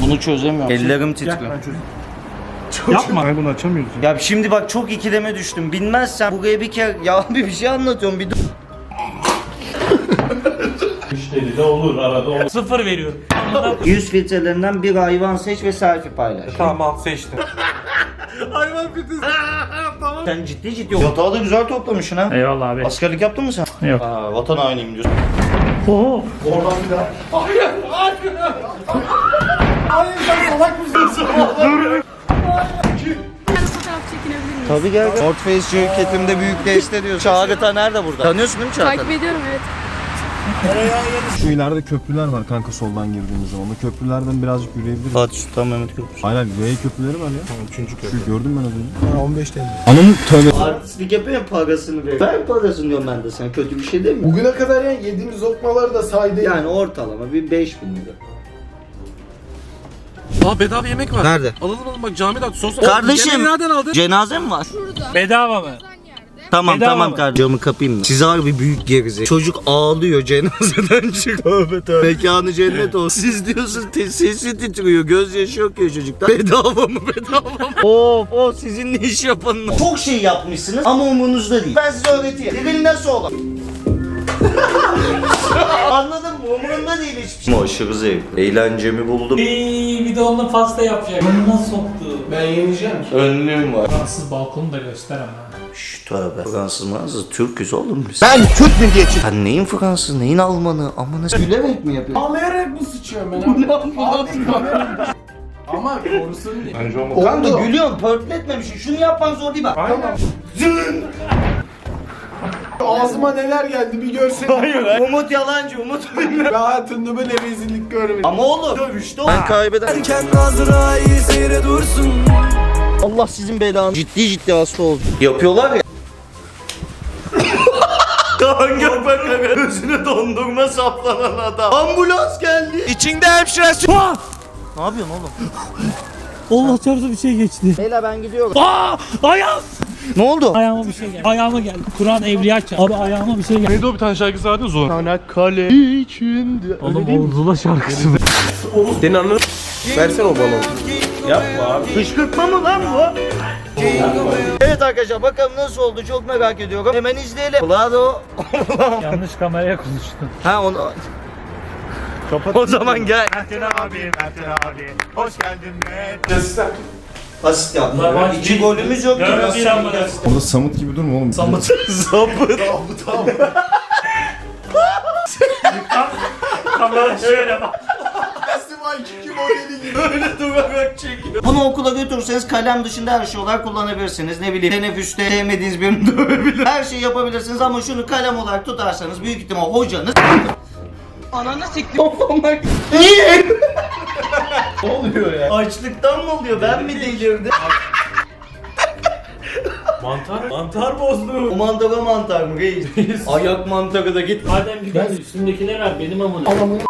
Bunu çözemiyorum. Ellerim titriyor. Yapma. Ben bunu açamıyoruz. Ya şimdi bak çok ikileme düştüm. Bilmezsen buraya bir kere ya bir şey anlatıyorum bir dur. Müşteri de olur, arada olur. 0 veriyorum. 100 filtrelerinden bir hayvan seç ve selfie paylaş. Tamam seçtim. Hayvan fitesi. Tamam. Sen ciddi yatağı da güzel toplamışsın ha. Eyvallah abi. Askerlik yaptın mı sen? Yok. Aa, vatan hainiyim diyorsun. Oo. Oradan bir daha. Hayır. Hayır sen salak mısın? Fotoğraf çekinebilir miyim? Tabii gel. North Face şirketimde büyük deste diyor. Çağrı nerede burada? Tanıyorsun değil mi Çağrı? Takip ediyorum evet. Şu ileride köprüler var kanka soldan girdiğimiz zaman. O köprülerden birazcık yürüyebiliriz. Fatih Sultan Mehmet Köprüsü. Aynen V köprüleri var ya. Tamam 3. köprü. Şu gördüm ben az önce. 15 TL. Ananın tövbe. Artistlik yapıyor parasını ver. Ver parasını diyorum ben de sen. Kötü bir şey değil mi? Bugüne kadar yani yediğimiz lokmaları da saydı. Yani ortalama bir 5.000 lira. Aa bedava yemek var. Nerede? Alalım bak camide at sos. Kardeşim. Yemeği nereden aldın? Cenaze mi var? Şurada. Bedava mı? Yerde. Tamam Bedava tamam mı? kardeşim. Camı kapayım mı? Siz harbi büyük gerizek. Çocuk ağlıyor cenazeden çık. Tövbe tövbe. Mekanı cennet olsun. Siz diyorsunuz sesi titriyor. Gözyaşı yok ya çocukta. Bedava mı bedava mı? Of sizin ne iş yapanınız. Çok şey yapmışsınız ama umurunuzda değil. Ben size öğreteyim. Diril nasıl olur? Anladın mı? Umurumda değil hiçbir şey. Aşırı zevkli. Eğlencemi buldum. Bir de onunla pasta yapacak. Burnuna soktu. Ben yeneceğim ki. Önlüğüm var. Fransız balkonu da göster ama. Şşş tövbe. Fransız mı? Türküz oğlum biz. Ben Türk milliyetçiyim. Sen neyin Fransız, neyin Almanı? Amına gülerek mi yapıyorsun? Ağlayarak mı sıçıyorum ben? Bu ne Ama korusun diye. Bence olmaz. Kanka gülüyorsun, pörtletmemişsin. Şunu yapman zor değil bak. Tamam. Ağzıma neler geldi bir görsen. Hayır. Umut yalancı, Umut bilmiyor. Ben hayatımda böyle rezillik görmedim. Ama oğlum dövüşte o. Ben kaybederim. Allah sizin belanı. Ciddi hasta oldu. Yapıyorlar ya. Kanka bak gözüne dondurma saplanan adam. Ambulans geldi. İçinde hemşiresi. Ne yapıyorsun oğlum? Allah çarptı bir şey geçti. Beyler ben gidiyorum. Ayağım. Ne oldu? Ayağıma bir şey geldi. Ayağıma geldi. Kur'an evliya çarptı. Abi ayağıma bir şey geldi. Neydi o bir tane şarkısı vardı Zula. Çanakkale içinde. Oğlum o Zula şarkısı mı? Senin anladın. Versene o balonu. Yapma abi. Kışkırtma mı lan bu? Evet arkadaşlar bakalım nasıl oldu çok merak ediyorum. Hemen izleyelim. Vlado. Yanlış kameraya konuştun. Ha onu... Kapat. O zaman gel. Erten abi. Hoş geldin Asist yaptı. Ulan İki golümüz yok. Görme bir an bana. Orada Samut gibi durma oğlum. Sapıt. Kamera şöyle bak. Festival Kiki modeli gibi. Öyle durarak çekiyor. Bunu okula götürürseniz kalem dışında her şey olarak kullanabilirsiniz. Ne bileyim teneffüste sevmediğiniz birini dövebilir. Her şeyi yapabilirsiniz ama şunu kalem olarak tutarsanız büyük ihtimal hocanız... Ananı siktir. Niye? Ne oluyor ya? Açlıktan mı oluyor? Ben mi delirdim? Mantar bozdu. O mantar mı reis? Ayak mantarı da git. Madem gidersin üstündekine ver benim amına.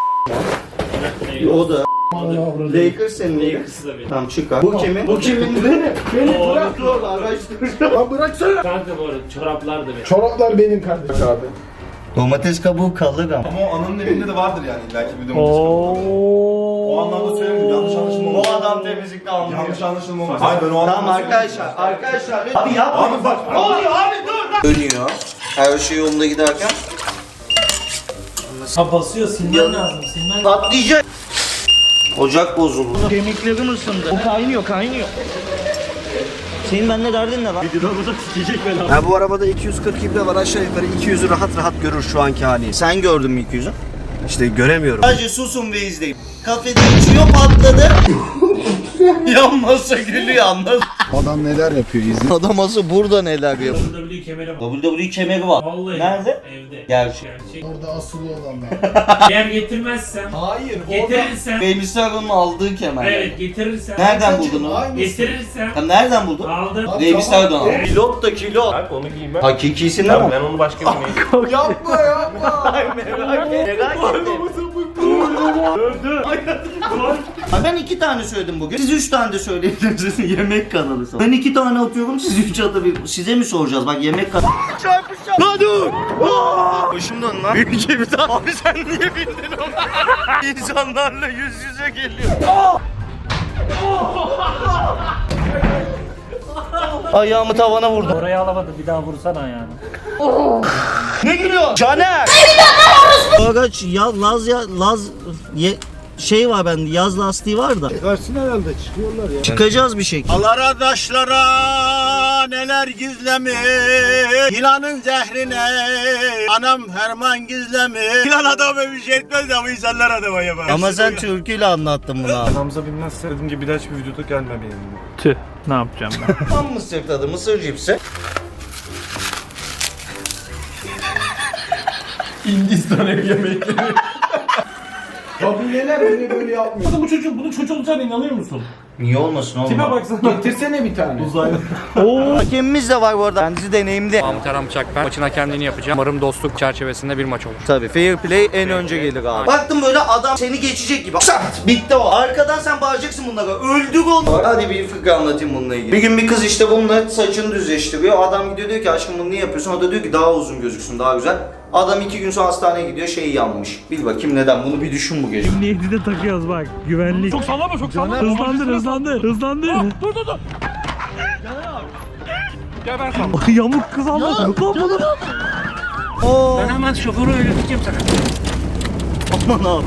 O da. Lakers senin. Lakers da benim. Tamam çıkar. Bu kimin? Bu kimin? Benim. Oo, Bırak dur araştır. Lan bıraksana. Kanka bu arada çoraplar da benim. Çoraplar benim kardeşim abi. Domates kabuğu kalır ama. Ama o ananın evinde de vardır yani belki bir domates kabuğu. O anlamda söylemiyorum yanlış anlaşılma Bu adam temizlikte anlıyor. Yanlış anlaşılma olmaz. Hayır ben o anlamda Tamam arkadaşlar. Abi yapma. Abi bak. Ne oluyor abi dur. Dönüyor. Her şey yolunda giderken. Ha basıyor silmen lazım silmen. Patlayacak. Ocak bozuldu. Kemiklerim ısındı. O kaynıyor. Senin benimle derdin ne lan? Videoda sikecek beni. Ya bu arabada 240 ibre var aşağı yukarı 200'ü rahat görür şu anki hali. Sen gördün mü 200'ü? İşte göremiyorum. Sadece susun ve izleyin. Kafede içiyor patladı. Yanmasa gülüyor anladın. Adam neler yapıyor izle. Adam asıl burada neler yapıyor. WWE kemeri var. WWE kemeri var. Vallahi. Nerede? Evde. Gerçek. Orada asılı olanlar. Eğer getirmezsem. Hayır. Getirirsen. Remistag'ın aldığı kemer. Evet getirirsen. Nereden buldun onu? Getirirsen. Ha, nereden buldun? Aldım. Remistag'dan aldın. Pilot da kilo. Bak onu giymem. Hakikisinden mi? Ben onu başka birine Yapma. Merak ettim. Ha, ben 2 tane söyledim bugün. Siz 3 tane de söyleyebilirsiniz. Yemek kanalı sonra. Ben 2 tane atıyorum, siz 3 atabilirsiniz. Size mi soracağız? Bak yemek kanalı. Çarpışacağım. Lan dur. Başım dön lan. Ülke bir daha. Abi sen niye bindin ona? İnsanlarla yüz yüze geliyor. Ayağımı tavana vurdum. Orayı alamadı, bir daha vursana ayağını. Ne gülüyor? Caner! Araç ya Laz şey var bende, yaz lastiği var da. Çıkarsın herhalde, çıkıyorlar ya. Çıkacağız bir şekilde. Allah adaşlara neler gizlemiş Yılanın zehrine anam herman gizlemiş Yılan adama bir şey etmez ama insanlar adama yapar. Ama sen türküyle anlattın bunu abi. Hamza bilmezse dediğim gibi bir daha hiçbir videoda gelmemeliyim. Tüh, ne yapacağım ben? Tam mısır tadı, mısır cipsi. Hindistan ev yemeği. Kabileler bile böyle yapmıyor. Bunun çocuğu olacağına inanıyor musun? Niye olmasın oğlum? Kime baksana. Getirsene bir tane. Hakemimiz de var bu arada. Kendisi deneyimli. Mahmut Aram Çakper. Maçına kendini yapacağım. Umarım dostluk çerçevesinde bir maç olur. Tabii fair play en önce gelir abi. Baktım böyle adam seni geçecek gibi. Şart! Bitti o. Arkadan sen bağıracaksın bunlara. Öldür onu. Hadi bir fıkra anlatayım bununla ilgili. Bir gün bir kız işte bununla saçını düzleştiriyor. Adam gidiyor diyor ki aşkım bunu niye yapıyorsun? O da diyor ki daha uzun gözüksün, daha güzel. Adam 2 gün sonra hastaneye gidiyor, şey yanmış. Bil bakayım neden, bunu bir düşün bu gece. Şimdi 7'de takıyoruz bak, güvenlik. Çok sallama, çok sallama. Hızlandır. Dur. Gel ben sana. Yamuk kız almadım. Ben hemen şoförü öğreteceğim sana. Aman abi.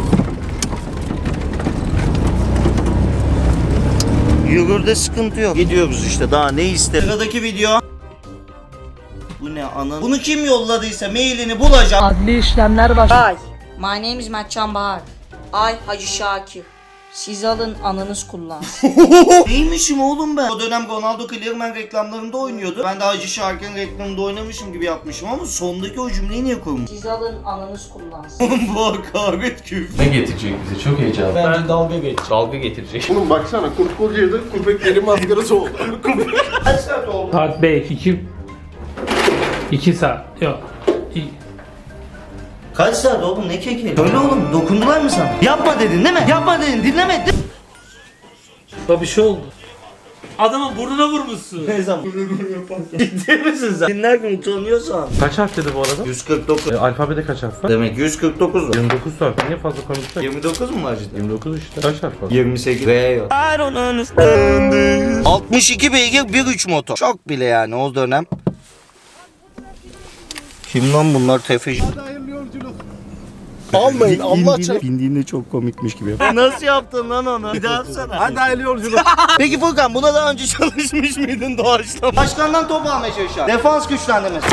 Yürürde sıkıntı yok. Gidiyoruz işte, daha ne ister. Sıradaki video. Bu ne ana? Bunu kim yolladıysa mailini bulacağım. Adli işlemler başlıyor. My name is Mertcan Bahar. Ay Hacı Şakir. Siz alın anınız kullansın. Neymişim oğlum ben? O dönem Ronaldo Clearman reklamlarında oynuyordu. Ben de Hacı Şarkı'nın reklamında oynamışım gibi yapmışım ama sondaki o cümleyi niye koymuş? Siz alın anınız kullansın. Oğlum bu hakaret küfür. Ne getirecek bize? Çok heyecanlı. Bence dalga geç. Dalga getirecek. Oğlum baksana, kurt kocaydı, köpeklerin maskarası oldu. Kaç saat oldu? Saat 5, 2 saat. Yok. Kaç saat oğlum, ne keki? Öyle oğlum, dokundular mı sana? Yapma dedin değil mi? Yapma dedin, dinlemedin. Bir şey oldu. Adamın burnuna vurmuşsun. Ne zaman? Ciddi misin sen? Dinlerken utanıyorsan. Kaç harf dedi bu arada? 149. Alfabede kaç harf var? Demek 149 var. 29 harf. Niye fazla konuşsak? 29 mu var cidden? 29 işte. Kaç harf var? 28. V yok. I don't understand. 62 beygir 1.3 motor. Çok bile yani o dönem. Kim lan bunlar, tefeci? Almayın, Allah çarpsın. Bindiğinde çok komikmiş gibi. Nasıl yaptın lan onu? Bir daha yapsana. Hadi hayırlı yolculuk. Peki Furkan, buna daha önce çalışmış mıydın doğaçlama? Başkandan top almaya çalışan. Defans güçlendirmesi.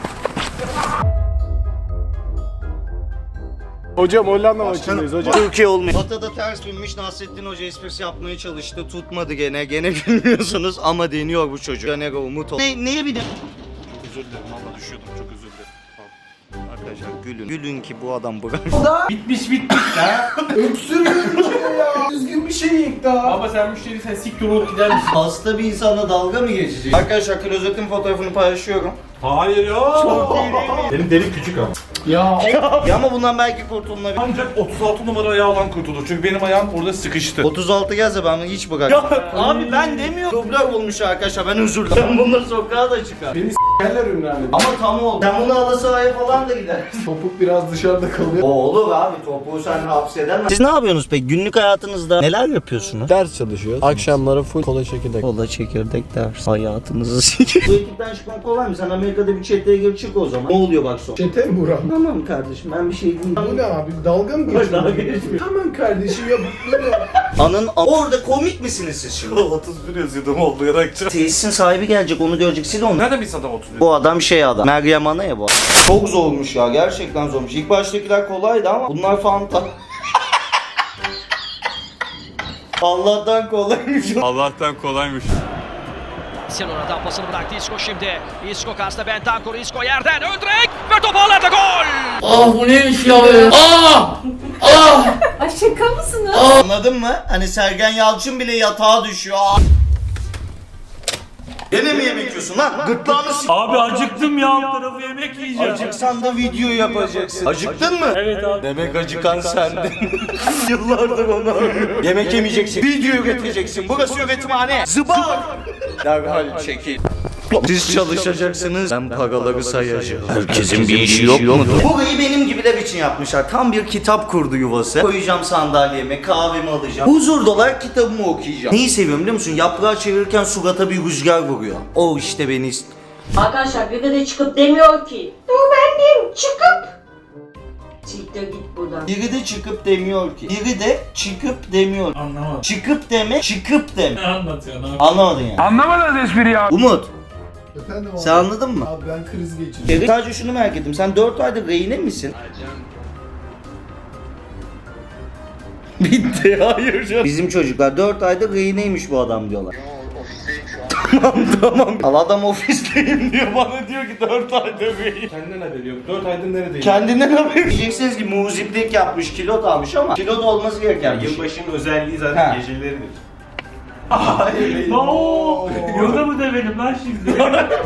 Hocam Hollanda maçındayız hocam. Türkiye olmuyor. Atada ters binmiş, Nasrettin Hoca esprisi yapmaya çalıştı. Tutmadı gene. Gene gülmüyorsunuz ama deniyor bu çocuk. Caner umut ol. Neye bir de... Özür dilerim valla düşüyordum. Çok özür dilerim. Arkadaşlar gülün. Gülün ki bu adam bırak. Bitmiş. Öksürüyor ya. Düzgün bir şey yiyek daha. Baba sen müşteri, sen siktir olup gider misin? Hasta bir insana dalga mı geçecek? Arkadaşlar klozetin fotoğrafını paylaşıyorum. Hayır ya. Çok iyi değil mi? Benim delik küçük ama. Ya. Ya ama bundan belki kurtulunabilir. Ancak 36 numara ayağından kurtulur. Çünkü benim ayağım orada sıkıştı. 36 gelse ben bunu hiç bırakmam. Abi ben demiyorum. Dublör olmuş arkadaşlar, ben özür dilerim. Ben bunları sokağa da çıkar. Yerler ünlü. Ama tam oldu. Sen bunu halı sahaya falan da gider. Topuk biraz dışarıda kalıyor. O olur abi, topuğu sen hapsedemezsin. Siz ne yapıyorsunuz peki? Günlük hayatınızda neler yapıyorsunuz? Ders çalışıyoruz. Akşamları full kola çekirdek. Kola çekirdek ders. Hayatınızı sikiyor. Bu ekipten çıkmak kolay mı? Sen Amerika'da bir çeteye gir çık o zaman. Ne oluyor bak son? Çete mi Burak? Tamam kardeşim, ben bir şey diyeyim. Bu ne abi? Dalga mı geçiyorsun? Dalga geçmiyor. Tamam kardeşim ya böyle. Orada komik misiniz siz şimdi? 31 yazıyordum olduyarak. Tesisin sahibi gelecek, onu görecek, sil onu. Nereden bilsin adam 31? Bu adam şey adam. Meryem Ana ya bu. Çok zormuş ya, gerçekten zormuş. İlk baştakiler kolaydı ama bunlar fanta. Allah'tan kolaymış. Allah'tan kolaymış. Sen oradan pasını bıraktı Isco şimdi. Isco karşısında Bentancur. Isco yerden ön direk ve top ağlarda gol. Ay şaka mısınız? Anladın mı? Hani Sergen Yalçın bile yatağa düşüyor. Gene mi yemek yiyorsun lan? Gırtlağını s***. Abi acıktım ya. Alt tarafı yemek yiyeceğim. Acıksan da video yapacaksın. Acıktın mı? Evet abi. Demek acıkan sendin. Yıllardır onu arıyorum. Yemek yemeyeceksin. Video üreteceksin. Burası üretimhane. Zıbar. Derhal çekil. Siz çalışacaksınız. Ben paraları sayacağım. Herkesin bir işi yok mudur? Burayı benim gibiler için yapmışlar. Tam bir kitap kurdu yuvası. Koyacağım sandalyeme, kahvemi alacağım. Huzur dolar kitabımı okuyacağım. Neyi seviyorum biliyor musun? Yaprağı çevirirken surata bir rüzgar vuruyor. O işte beni Arkadaşlar biri de çıkıp demiyor ki. Dur bendim çıkıp. Siktir git buradan. Biri de çıkıp demiyor ki. Biri de çıkıp demiyor. Anlamadım. Çıkıp deme, çıkıp deme. Ne anlatıyorsun abi? Anlamadın yani. Anlamadınız espri ya. Umut, Efendim abi. sen anladın mı? Abi ben kriz geçirdim. Sadece şunu merak ettim. Sen 4 aydır rehine misin? Bitti. Hayır canım. Bizim çocuklar 4 aydır rehineymiş bu adam diyorlar. Tamam. Al adam ofisteyim diyor bana diyor ki 4 aydır rehin. Kendinden haberi yok. 4 aydır neredeyim? Kendinden haber. Diyeceksiniz ki muziplik yapmış, kilot almış ama kilot olması gereken bir şey. Yılbaşının özelliği zaten Ha. geceleridir. Oo, yolda mı demedim lan şimdi?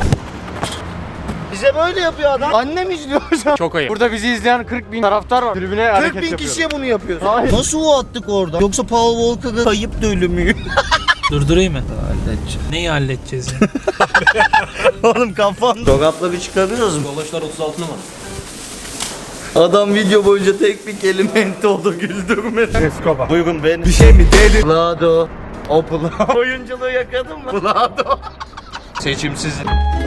Bize böyle yapıyor adam. Annem izliyor hocam. Çok ayıp. Burada bizi izleyen 40.000 taraftar var. Tribüne 40 bin kişiye bunu yapıyoruz. Nasıl o attık orada? Yoksa Paul Walker'ın kayıp da ölümü. Durdurayım mı? Neyi halledeceğiz ya? Oğlum kafan. Çorapla bir çıkarıyoruz mu? Dolaşlar 36 numara. Adam video boyunca tek bir kelime ente oldu güldürmeden. Escobar. Buyurun benim. Bir şey mi dedi? Vlado. Opla. Oyunculuğu yakadın mı? Vlado. Seçimsiz.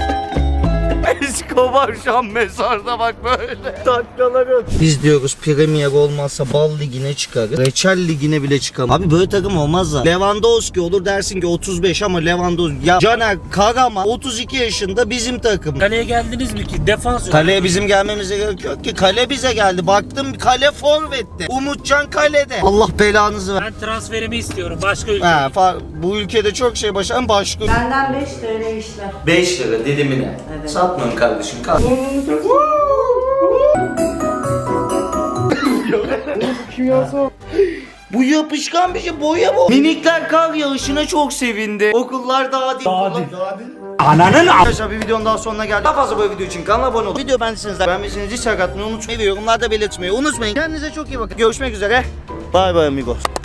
Escobar şu an mezarda bak böyle. Taklaları. Biz diyoruz Premier olmazsa Bal Ligi'ne çıkarız. Reçel Ligi'ne bile çıkamaz. Abi böyle takım olmaz da. Lewandowski olur dersin ki 35 ama Lewandowski. Ya Caner Karaman 32 yaşında bizim takım. Kaleye geldiniz mi ki? Defans yok. Kaleye bizim gelmemize gerek yok ki. Kale bize geldi. Baktım kale forvette. Umutcan kalede. Allah belanızı ver. Ben transferimi istiyorum başka ülke. Bu ülkede çok şey başaran başka. Benden 5 TL işler. 5 lira dilimine. Evet. Satmıyorum kardeşim. Bu yapışkan bir şey, boya bu. Minikler kar yağışına çok sevindi. Okullar daha değil. Ananın Arkadaşlar bir videonun daha sonuna geldik. Daha fazla böyle video için kanala abone olun. Video beğendiyseniz hiç sakatmayı unutmayın ve yorumlarda belirtmeyi unutmayın. Kendinize çok iyi bakın. Görüşmek üzere. Bye bye amigos.